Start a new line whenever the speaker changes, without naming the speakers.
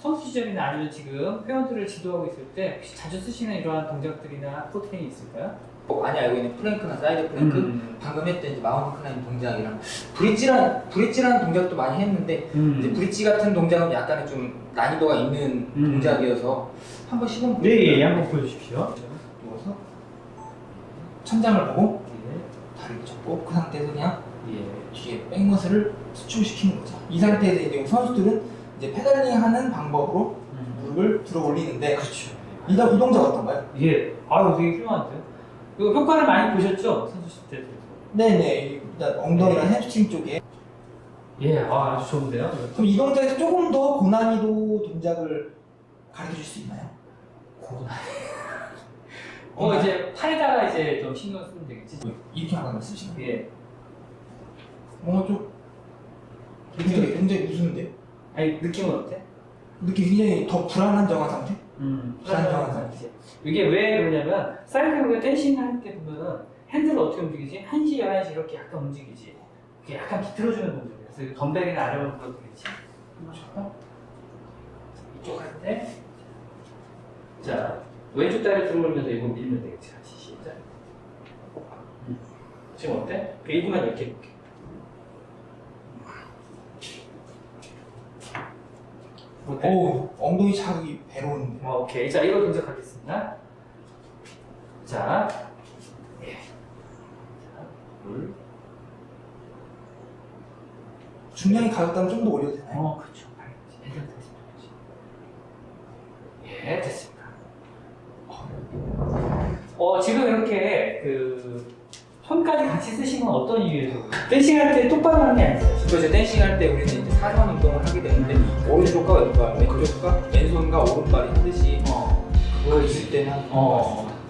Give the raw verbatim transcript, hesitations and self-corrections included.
선수 시절이나 아니면 지금 회원들을 지도하고 있을 때 혹시 자주 쓰시는 이러한 동작들이나 포트레인이 있을까요?
많이 알고 있는 플랭크나 사이드 플랭크,
음.
방금 했던 이제 마운트 클라임 동작이랑 브릿지란 브릿지라는 동작도 많이 했는데
음.
이제 브릿지 같은 동작은 약간의 좀 난이도가 있는
음.
동작이어서 한번 시범
네, 예, 예, 한번 보여주십시오.
누워서 천장을 보고
예,
다리를 접고 그 상태에서 그냥
예.
뒤에 백머슬을 수축시키는 거죠. 이 상태에서 이제 선수들은 이제 페달링하는 방법으로
음.
무릎을 들어 올리는데
그렇죠.
이, 이 동작 어떤가요?
예, 아유 되게 훌륭한데요. 이거 효과를 많이 보셨죠? 선수 시절 때도.
네네, 일단 엉덩이랑 햄스트링 쪽에.
예, 아, 아주 좋은데요.
그럼 이 동작에서 조금 더 고난이도 동작을 가르쳐 줄 수 있나요?
고난. 어 이제 팔에다가 이제 좀 신경 쓰면 되겠지.
이렇게 하는 걸 쓰시나요?
예.
뭔가 좀 굉장히, 굉장히 무서운데?
아니 느낌은 어때?
느낌 굉장히 더 불안한정한 상태?
음.
불안정한 상태.
이게 왜 그러냐면 사이클링을 댄싱 할 때 보면은 핸들을 어떻게 움직이지? 한 시, 열한 시 이렇게 약간 움직이지. 이게 약간 비틀어주는 동작이야. 그래서 덤벨이나 아래로 불어도 되겠지. 한번 이쪽 할 때. 자, 왼쪽 다리 들어오면서 이거 밀면 되겠지. 같이 시작. 음. 지금 어때? 일 분만 이렇게 해볼게. 어때?
오, 엉덩이 자극이 배로 오는데.
어, 오케이. 자, 이거 동작하겠습니다. 자, 예. 자, 둘.
중량이 가볍다면 좀 더 올려도 되나요?
어, 그렇죠. 됐습니다. 예, 됐습니다. 어, 지금 이렇게 그 손까지 같이 쓰시는 건 어떤 이유에서? 댄싱할 때 똑바로 하는 게 아니잖아요.
그래서 댄싱 할 때 우리는 이제 사선 운동을 하게 되는데 오른쪽과 왼발, 왼쪽과 왼손과 오른발이 하듯이
어,
그거 있을 때는
어.